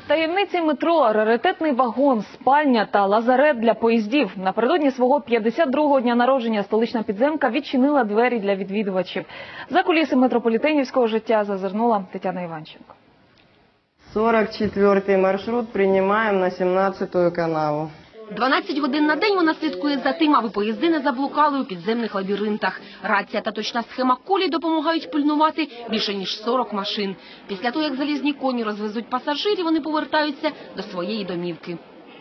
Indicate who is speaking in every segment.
Speaker 1: Таємниці метро, раритетний вагон, спальня та лазарет для поїздів. Напередодні свого 52-го дня народження столична підземка відчинила двері для відвідувачів. За куліси метрополітенівського життя зазирнула Тетяна Іванченко.
Speaker 2: 44-й маршрут приймаємо на 17-ю канаву.
Speaker 3: 12 годин на день вона слідкує за тим, аби поїзди не заблукали у підземних лабіринтах. Рація та точна схема колій допомагають пильнувати більше ніж 40 машин. Після того, як залізні коні розвезуть пасажирів, вони повертаються до своєї домівки.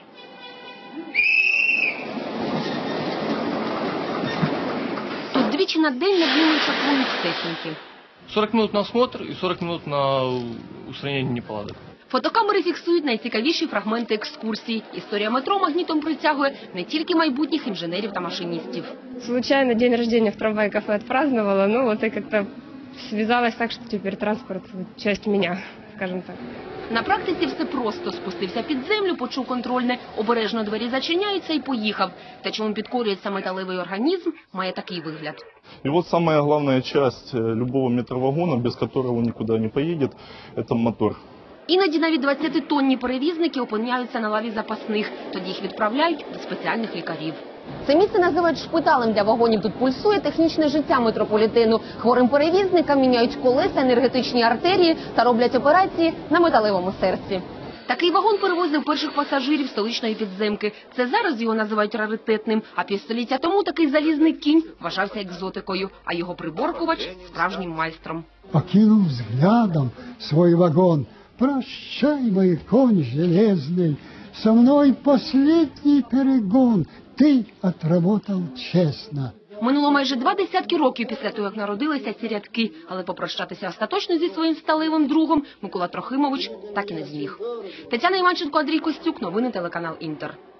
Speaker 3: Тут двічі на день над ними чаклують техніки.
Speaker 4: 40 минут на осмотр и 40 минут на устранение неполадок.
Speaker 3: Фотокамери фіксують найцікавіші фрагменти екскурсій. Історія метро магнітом притягує не тільки майбутніх інженерів та машиністів.
Speaker 5: Случайно день рождения в трамвай-кафе отпраздновала, но вот и как-то связалось так, что теперь транспорт – часть меня, скажем так.
Speaker 3: На практиці все просто. Спустився під землю, почув контрольне, обережно двері зачиняються і поїхав. Те, чому підкорюється металевий організм, має такий вигляд.
Speaker 6: И вот самая главная часть любого метровагона, без которого никуда не поедет, это мотор.
Speaker 3: Іноді навіть 20-тонні перевізники опиняються на лаві запасних. Тоді їх відправляють до спеціальних лікарів. Це місце називають шпиталем для вагонів. Тут пульсує технічне життя метрополітену. Хворим перевізникам міняють колеса, енергетичні артерії та роблять операції на металевому серці. Такий вагон перевозив перших пасажирів столичної підземки. Це зараз його називають раритетним, а півстоліття тому такий залізний кінь вважався екзотикою, а його приборкувач – справжнім майстром.
Speaker 7: Окинув взглядом свой вагон. Прощай, мой конь железный, со мной последний перегон. Ты отработал честно.
Speaker 3: Минуло майже 20 років після того, як народилися ці рядки. Але попрощатися остаточно зі своїм сталевим другом Микола Трохимович так і не зміг. Тетяна Іванченко, Андрій Костюк. Новини телеканал «Інтер».